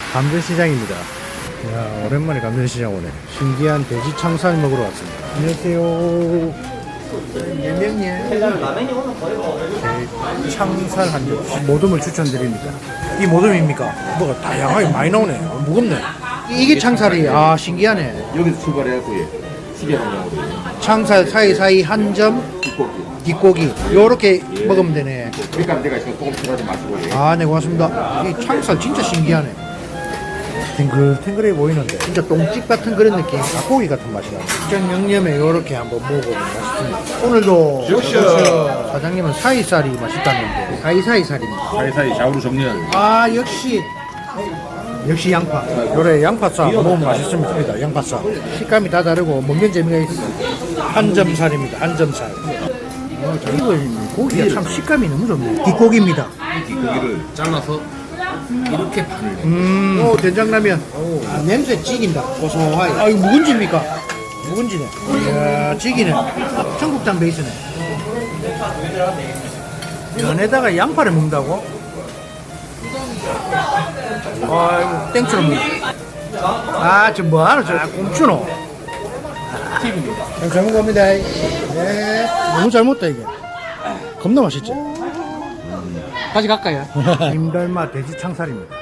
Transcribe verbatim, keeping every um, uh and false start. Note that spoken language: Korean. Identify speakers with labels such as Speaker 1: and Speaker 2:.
Speaker 1: 감전시장입니다. 야, 오랜만에 감전시장 오네. 신기한 돼지 창살 먹으러 왔습니다. 안녕하세요. 몇 명이에요? 네, 창살 한 점. 모듬을 추천드립니다. 이 모듬입니까? 뭐가 다양하게 많이 나오네. 어, 무겁네. 이게 창살이, 아, 신기하네.
Speaker 2: 여기서 출발해갖고 예, 수비하는
Speaker 1: 창살 사이사이 한 점,
Speaker 2: 뒷고기.
Speaker 1: 뒷고기. 요렇게 먹으면 되네.
Speaker 2: 그러니까 내가 지금 조금 필요하지 마시고 예.
Speaker 1: 아, 네, 고맙습니다. 이 창살 진짜 신기하네. 탱글탱글해 보이는데 진짜 똥집 같은 그런 느낌, 닭고기 같은 맛이 나요. 직전 양념에 요렇게 한번 먹어보면 맛있습니다. 오늘도
Speaker 2: 역시요.
Speaker 1: 사장님은 사이살이 맛있다는데 사이사이 살입니다.
Speaker 2: 사이사이 좌우로 정리하는
Speaker 1: 아, 역시 역시 양파. 요래 양파쌈 먹으면 맛있습니다. 양파쌈 식감이 다 다르고 먹는 재미가 있어요. 한점살입니다. 한점살. 어, 이거 고기가 참 식감이 너무 좋네요. 뒷고기입니다.
Speaker 2: 뒷고기를 잘라서 이렇게 반을 내.
Speaker 1: 음, 오, 된장라면. 아, 냄새 찌긴다. 고소하게. 아, 이거 묵은지입니까? 묵은지네. 이야, 찌기네. 청국장 베이스네. 면에다가 양파를 먹는다고? 아이고, 땡처럼 먹 아, 저 뭐하노? 저 꼼추노. 팁입니다. 잘 먹어봅니다. 네. 너무 잘 먹다, 이게. 겁나 맛있지? 다시 갈까요? 임달마 돼지 창살입니다.